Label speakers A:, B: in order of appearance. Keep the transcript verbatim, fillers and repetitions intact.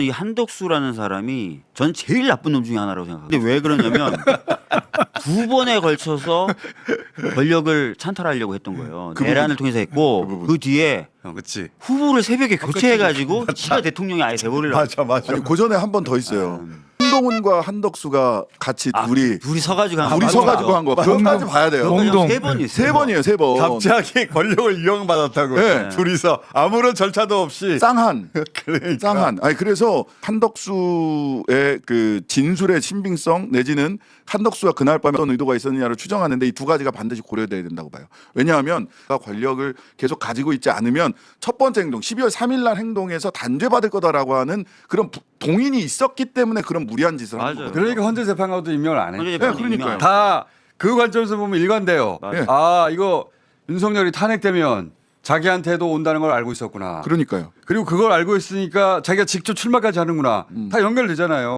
A: 이 한덕수라는 사람이 전 제일 나쁜 놈 중에 하나라고 생각합니다. 근데 왜 그러냐면 두 번에 걸쳐서 권력을 찬탈하려고 했던 거예요.
B: 그
A: 내란을
B: 부분.
A: 통해서 했고
B: 그 부분.
A: 그 뒤에
C: 어, 그렇지.
A: 후보를 새벽에 교체해가지고 지가 대통령이 아예 돼버리려고.
C: 맞아, 맞아.
B: 아니 그 전에 한 번 더 있어요. 한동훈과 한덕수가 같이
A: 아,
B: 둘이
A: 둘이 서가지고 한
B: 둘이
A: 거.
B: 서가지고 한 거. 그것까지 봐야 돼요.
D: 공동.
A: 세 번이
B: 세 번이에요, 세 번.
C: 갑자기 권력을 이용받았다고.
B: 네.
C: 둘이서 아무런 절차도 없이.
B: 쌍한.
C: 그러니까.
B: 쌍한. 아니 그래서 한덕수의 그 진술의 신빙성 내지는 한덕수가 그날 밤에 어떤 의도가 있었느냐를 추정하는데 이 두 가지가 반드시 고려돼야 된다고 봐요. 왜냐하면 권력을 계속 가지고 있지 않으면 첫 번째 행동 십이월 삼일 날 행동에서 단죄받을 거다라고 하는 그런 부- 동인이 있었기 때문에 그런 무리한 짓을 한
A: 맞아요.
B: 거예요.
C: 그러니까 헌재 재판관도 임명을 안
A: 헌재
C: 해.
A: 재판이
B: 네, 그러니까요.
A: 유명한-
C: 다 그 관점에서 보면 일관돼요.
A: 맞아요.
C: 아 이거 윤석열이 탄핵되면 자기한테도 온다는 걸 알고 있었구나.
B: 그러니까요.
C: 그리고 그걸 알고 있으니까 자기가 직접 출마까지 하는구나. 다 연결되잖아요.